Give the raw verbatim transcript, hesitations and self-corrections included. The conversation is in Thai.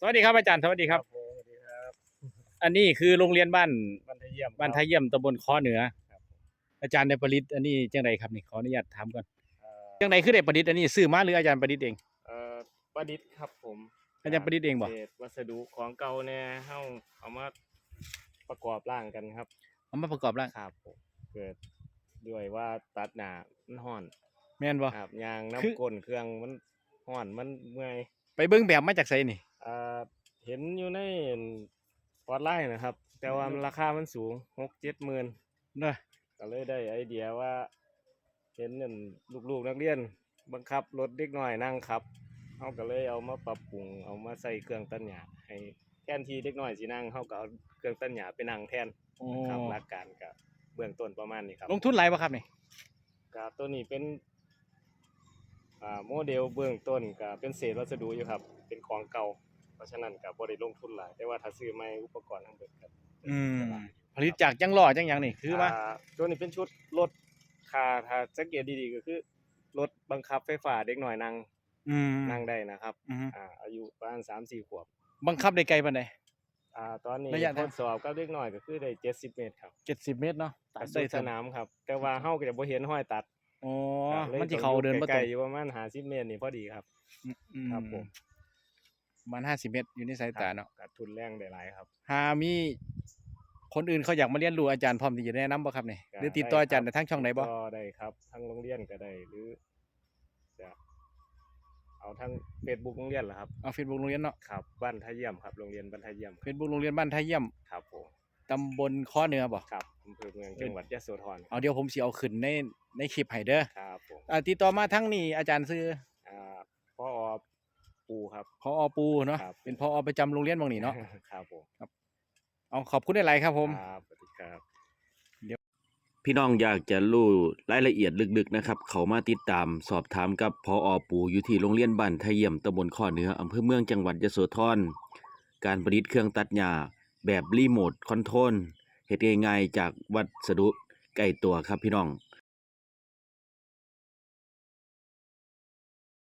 สวัสดีครับอาจารย์สวัสดีครับครับผมสวัสดีครับอันนี้คือโรงเรียนบ้านบ้านทะเยี่ยมบ้านครับท่าเยี่ยมตำบลค้อเหนือครับอาจารย์ได้ประดิษฐ์อันนี้จังไดครับนี่ขออนุญาตถามก่อนเอ่อจังไดคือได้ประดิษฐ์อันนี้ซื้อมาหรืออาจารย์ประดิษฐ์เองเอ่อประดิษฐ์ครับผมอาจารย์ประดิษฐ์เองบ่เศษวัสดุของเก่าเนี่ยเฮาเอามาประกอบร่างกันครับเอามาประกอบร่างครับผมเกิดด้วยว่าตัดหน้ามันร้อนแม่นบ่ครับยางคือน้ำก้นเครื่องมันร้อนมันเมื่อยไปเบิ่งแบบมาจากไสนี่เอ่อเห็นอยู่ในออนไลน์นะครับแต่ว่ามันราคามันสูงหกเจ็ดหมื่นเนาะก็เลยได้ไอเดียว่าเห็นนั่นลูกๆนักเรียนบังคับรถเด็กน้อยนั่งขับเขาก็เลยเอามาปรับปรุงเอามาใส่เครื่องตัดหญ้าให้แทนที่เด็กน้อยสินั่งเขาก็เอาเครื่องตัดหญ้าไปนั่งแทนโอ้ครับหลักการก็เบื้องต้นประมาณนี้ครับลงทุนหลายบ่ครับนี่ก็ตัวนี้เป็นอ่าโมเดลเบื้องต้นก็เป็นเศษวัสดุอยู่ครับเป็นของเก่าเพราะฉะนั้นก็บ่ได้ลงทุนหลายแต่ว่าถ้าซื้อใหม่อุปกรณ์ทั้งเบิดครับอืมผลิตจากจังล้อจังหยังนี่คือว่าอ่าตัวนี้เป็นชุดรถถ้าถ้าสังเกตดีๆก็คือรถบังคับไฟฟ้าเด็กน้อยนั่งอืมนั่งได้นะครับอืออ่าอายุประมาณสามสี่ขวบบังคับได้ไกลปานใดอ่าตอนนี้ระยะทางทดสอบกับเด็กน้อยก็คือได้เจ็ดสิบเมตรครับเจ็ดสิบเมตรเนาะตัก็ดสุได้ดสนามครับแต่ว่าเฮาก็จะบ่เห็นห้อยตัดอ๋อครับเลยมันสิต้องเข้าเดินอยู่บ่ตรงใกล้ๆอยู่ประมาณห้าสิบเมตรนี่พอดีครับอืมอืครับผมมประมาณห้าสิบเมตรอยู่ในสายตาเนาะก็ทุนแรงได้หลายครับหามีคนอื่นเขาอยากมาเรียนรู้อาจารย์พร้อมที่จะแนะนำบ่ครับนี่หก็รือติดต่ออาจารย์ได้ครับได้ทางช่องไหนบ่ก็ได้ครับทั้งโรงเรียนก็ได้หรือจะเอาทั้ง Facebook โรงเรียนเหรอครับเอา Facebook โรงเรียนเนาะครับบ้านท่าเยี่ยมครับโรงเรียนบ้านท่าเยี่ยม Facebook โรงเรียนบ้านท่าเยี่ยมครับผมตำบลค้อเหนือบ่ครับอำเภอเมืองจังหวัดยะโสธรเอาเดี๋ยวผมสิเอาขึ้นในในคลิปให้เด้อครับผมอ่าติดต่อมาทางนี้อาจารย์ชื่ออ่าพอปูครับผอปูเนาะครับเป็นผอประจำโรงเรียนหม่องนี้เนาะครับผมเอาขอบคุณหลายๆครับผมครับสวัสดีครับพี่น้องอยากจะรู้รายละเอียดลึกๆนะครับเขามาติดตามสอบถามกับพออปูอยู่ที่โรงเรียนบ้านไทเยี่ยมตำบลข้อเหนืออำเภอเมืองจังหวัดยโสธรการประดิษฐ์เครื่องตัดหญ้าแบบรีโมทคอนโทรลเฮ็ดง่ายๆจากวัสดุใกล้ตัวครับพี่น้อง